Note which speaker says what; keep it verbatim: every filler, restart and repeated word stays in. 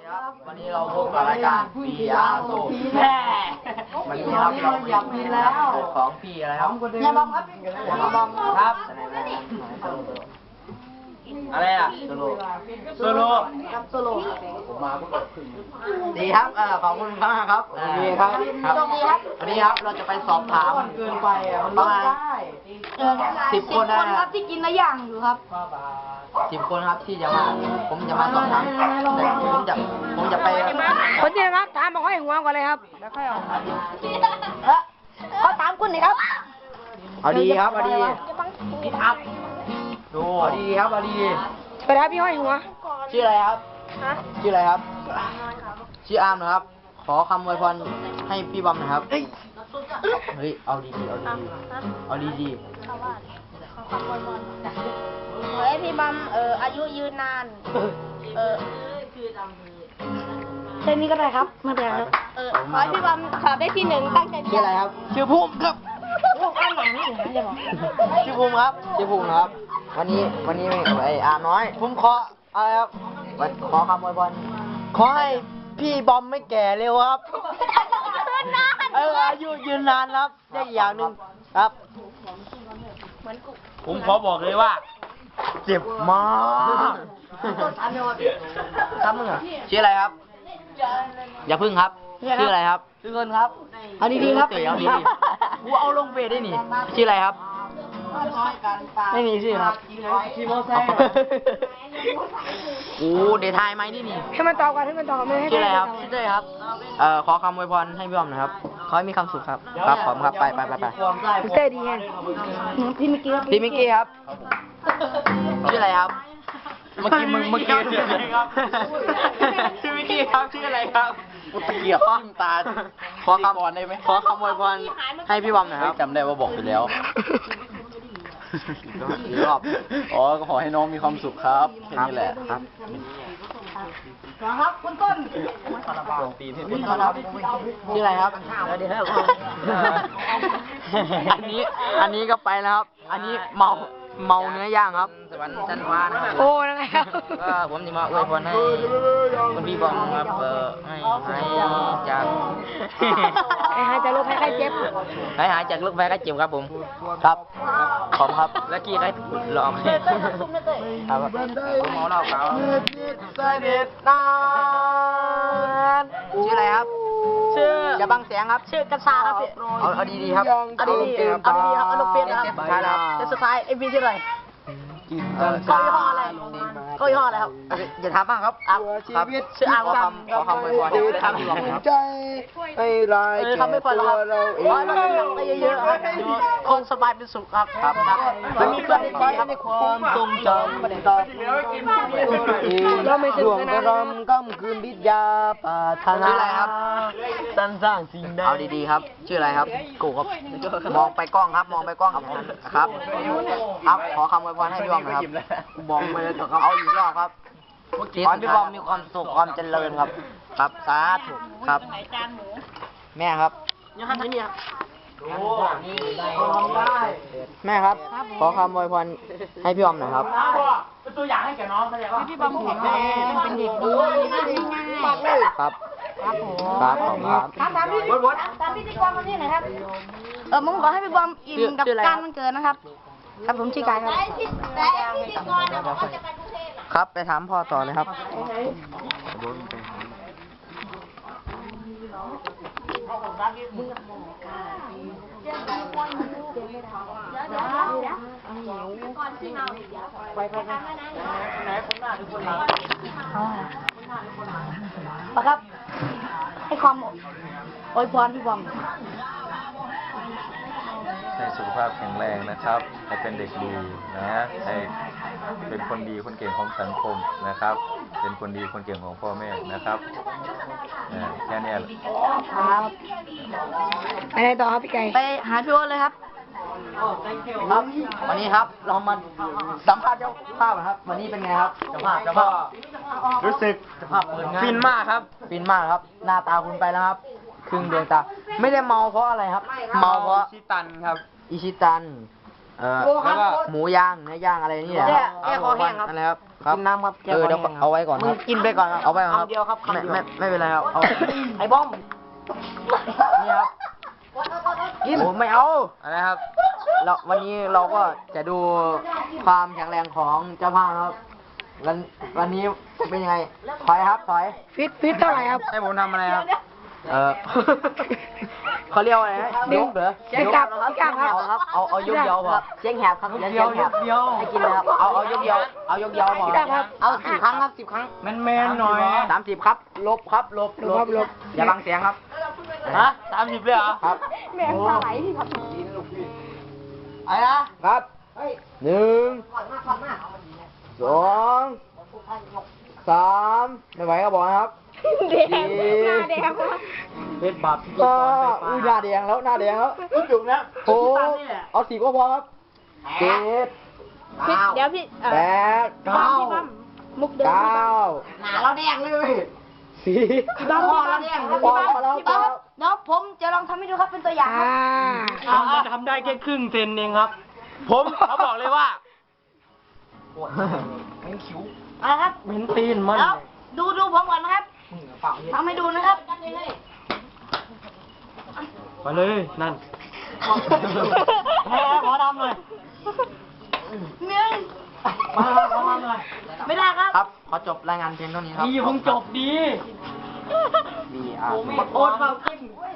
Speaker 1: วันนี้เราพบกับรายการปียาโซแม่วันนี้ครับเราอยากมีแล้วของพี่อะไรครับยาบอมครับยาบอมครับอะไรอ่ะโซโลโซโลครับโซโลผมมาพวกเราดีครับเออขอบคุณมากครับดีครับครับวันนี้ครับเราจะไปสอบถามเกินไปประมาณสิบคนนะครับที่กินละอย่างอยู่ครับสิบคนครับที่จะมาผมจะมาสอบถามแต่ผมจะผมจะไป
Speaker 2: คนเดียวครับถามบอกให้หัวก่อนเลยครับแล้วค่อยเอาเขาถามคุณหน่อยครับ
Speaker 1: เอาดีครับเอาดีครับดูเอาดีครับเอาดี
Speaker 2: ไปครับพี่ห้อยหัว
Speaker 1: ชื่ออะไรครับ
Speaker 2: ฮะ
Speaker 1: ชื่ออะไรครับชื่ออาร์มนะครับ ขอคำอวยพรให้พี่บอมนะครับเฮ้ยเฮ้ยเอาดีดีเอาดีเอาดีดี
Speaker 2: ขอให้พี่บอมเอ่ออายุยืนนานเออเช่นนี้ก็ได้ครับไม่เป็นไรครับเออขอให้พี่บอมสอบได้ที่หนึ่งตั้งใจ
Speaker 1: ชื่ออะไรครับชื่อภูมิครับ
Speaker 2: พวกอ้านหนังนี่นะจะบอก
Speaker 1: ชื่อภูมิครับชื่อภูมิครับวันนี้วันนี้ไอ้อาร์มน้อยผมขออะไรครับขอคำอวยพรขอให้พี่บอมไม่แก่เร็วครับเอออายุยืนนานครับได้อย่างหนึ่งครับผมขอบอกเลยว่าเจ็บมากครับมึงอ่ะชื่ออะไรครับอย่าพึ่งครับชื่ออะไรครับชื่อเงินครับเอาดีๆครับเอาดีๆกูเอาลงเฟซได้นี่ชื่ออะไรครับไม่มีชื่อครับขี่มอเตอร์ไซค์โอ้เดทายไหมนี่นี่
Speaker 2: ให้มันตอบกันให้มันตอบไม่ให้
Speaker 1: ชื่ออะไรครับชื่อเต้ครับเอ่อขอคำอวยพรให้พี่บอมนะครับขอให้มีความสุขครับครับผมครับไปไปไปไป
Speaker 2: เต้ดีแฮงพี่มิกกี้ครับ
Speaker 1: พี่มิกกี้ครับชื่ออะไรครับเมื่อกี้มึงเมื่อกี้ชื่ออะไรครับชื่อมิกกี้ครับชื่ออะไรครับอุตะเกียบจิ้มตาขอคำอวยพรได้ไหมขอคำอวยพรให้พี่บอมหน่อยครับจำได้ว่าบอกไปแล้วอีกรอบอ๋อก็ขอให้น้องมีความสุขครับแค่นี้แหละครับ
Speaker 2: ครับคุณต้น
Speaker 1: ลงตีนให้พี่ครับชื่ออะไรครับสวัสดีครับอันนี้อันนี้ก็ไปแล้วครับอันนี้เมาเมาเนื้อย่างครับสวรรค์ชั้นฟ้านะครับ
Speaker 2: โอ้ยังไงครับ
Speaker 1: ก็ผมจะมาอวยพรให้คุณพี่บอมครับเออให้ให้จาก
Speaker 2: ให้หายจากโรคภัยไข้เจ็บ
Speaker 1: ให้หายจากโรคภัยไข้เจ็บครับผมครับขอบครับแล้วกี้ใครหลอกครับผมเมาเหล้าขาวสนิทนานชื่ออะไรครับชื่ออย่าบังเสียงครับ
Speaker 2: ชื่อกระซาครับ
Speaker 1: เอาเอาดีๆครับ
Speaker 2: เอาดีๆเอาดีๆครับเอาลูกเปียนะครับจะสุดท้ายเอ็มวีที่ไรเขายี่ห้ออะไรเขายี่ห้ออะไรครับ
Speaker 1: อย่าถามบ้างครับครับชื่ออาร์มคำขอคำอวยพรให้พี่บอมครับใจไอ้ลายแก่ตัวเราเอง
Speaker 2: ขอให้มันไปเยอะๆครับคงสบายเป็นสุขครับ
Speaker 1: ครับครับไม่มีเพื่อนคอยในความทรงจำต่อเราไม่ดวงกระรำก้ำคืนวิทยาปาถนาชื่ออะไรครับสร้างสร้างสิ่งใดเอาดีๆครับชื่ออะไรครับกูครับมองไปกล้องครับมองไปกล้องครับครับขอคำอวยพรให้พี่บอมนะครับบอมไปเลยเอาอีกรอบครับขอให้พี่บอมมีความสุขความเจริญครับครับสาธุครับแม่ครับ
Speaker 2: ยังทำที่นี่ครับ
Speaker 1: แม่ครับขอคำอวยพรให้พี่บอมหน่อยครับ
Speaker 3: เป็นตัวอย่างให้แกน้องเขาเลยว่า
Speaker 2: พี่บอมแข็งแรงเป็นเด็กดีง่าย
Speaker 1: ครับ
Speaker 2: ครับผม
Speaker 1: ครับผมครับ
Speaker 2: ตามตามพี่ตามพี่ที่กรคนนี้หน่อยครับเออผมขอให้พี่บอมอิ่มกับการมันเกิดนะครับครับผมชื่อกายครับ
Speaker 1: ครับไปถามพ่อต่อเลยครับ
Speaker 2: ไปไปไปไหนคนหน้าทุกคนมาครับให้ความอวยพรพี่บอม
Speaker 4: ให้สุขภาพแข็งแรงนะครับให้เป็นเด็กดีนะให้เป็นคนดีคนเก่งของสังคมนะครับ เป็นคนดีคนเก่งของพ่อแม่นะครับแค่นี้
Speaker 2: ครับไปไหนต่อครับพี่ไก่ไปหาพี่โอ๊ตเลยครับ
Speaker 1: ครับวันนี้ครับเรามาสัมภาษณ์เจ้าภาพนะครับวันนี้เป็นไงครับเจ้าภาพเจ้าภาพรู้สึกเจ้าภาพฟินมากครับฟินมากครับหน้าตาคุณไปแล้วครับครึ่งดวงตาไม่ได้เมาเพราะอะไรครับเมาเพราะอิชิตันครับอิชิตันเอ่อแล้วก็หมูย่างเนื้อย่างอะไรนี่แหละ
Speaker 2: แก้คอแห้งครับ
Speaker 1: อะไรครับครับ
Speaker 2: กินน้ำครับ
Speaker 1: เออเดี๋ยวเอาไว้ก่อน
Speaker 2: มึ
Speaker 1: ค
Speaker 2: ง
Speaker 1: รับ
Speaker 2: กินไปก่อนครับ
Speaker 1: เอาไว้ก่อนครับ
Speaker 2: คำเดียวครับคำ
Speaker 1: ไม่
Speaker 2: เดียว
Speaker 1: ไม่ไม่เป็นไรครับเอา
Speaker 2: ไอ้บ้อม
Speaker 1: นี่ครับ
Speaker 2: กิน
Speaker 1: โอ้ไม่เอาอะไรครับเราวันนี้เราก็จะดูความแข็งแรงของเจ้าภาพครับวันวันนี้จะเป็นยังไงถอยครับถอย
Speaker 2: ฟิตฟิตเท่าไหร่ครับ
Speaker 1: ให้ผมทำอะไรครับเออเขาเรียกว่าอะไรนะยกเหรอ
Speaker 2: เสียงกลับ
Speaker 1: ยก
Speaker 2: เสียงกลับครับ
Speaker 1: เอาครับเอาเอายกเดียวพอ
Speaker 2: เสียงแหบครับเสียงแหบให้กินเลยครับ
Speaker 1: เอาเอายกเดียวเอายกเดียวพอ
Speaker 2: ครับ เอาสิบครั้งครับสิบครั้ง
Speaker 3: แมนแมนหน่อย
Speaker 1: สามสิบครับลบครับลบ
Speaker 2: ลบครับลบ
Speaker 1: อย่าบังเสียงครับ
Speaker 3: ฮะสามสิบเลยเหรอ
Speaker 1: ครับ
Speaker 2: แม่ปลาไหลที่ครับ
Speaker 1: อะไรนะครับหนึ่งสองสามไม่ไหวก็บอกนะครับ
Speaker 2: แดงหน้าแดงครับ
Speaker 3: เป็นบาปพิธี
Speaker 1: ก็
Speaker 3: กรไฟฟ้า
Speaker 1: อุ้ยหน้าแดงแล้วหน้าแดงแล้ว
Speaker 3: จุกนะ
Speaker 1: โอ้เอาสีก็พอครับเจ็ด
Speaker 2: พี่เดี๋ยวพี่เอ่อ
Speaker 1: แปด
Speaker 2: พี่บ้ามพี่บ้ามมุกเดิม
Speaker 1: เก้า
Speaker 2: หนาเราแดงเลย
Speaker 1: สี่
Speaker 2: พี่บ้ามพี่บ้ามพี่
Speaker 1: พอ
Speaker 2: บ้าม
Speaker 1: แล้ว
Speaker 2: พี่
Speaker 1: พอ
Speaker 2: บ้าม
Speaker 1: แล้ว
Speaker 2: เดี๋ยวผมจะลองทำให้ดูครับเป็นตัวอย่างครับ
Speaker 3: อ่ามันทำได้แค่ครึ่งเซนเองครับ ผมเขาบอกเลยว่า
Speaker 2: เอาละครับ
Speaker 3: เหม็นตีนมัน
Speaker 2: แล้วดูดูผมก่อนนะครับทำให้ดูนะครับ
Speaker 3: ไปเลยนั่นแพ้ขอดำหน่อย
Speaker 2: หนึ่ง
Speaker 3: มาขอดำหน่อย
Speaker 2: ไม่ได้ครับ
Speaker 1: ครับขอจบรายงานเพียงเท่านี้ครับ
Speaker 3: ดีคงจบดี
Speaker 1: มีอ่า
Speaker 3: โอ๊ตเปล่ากิน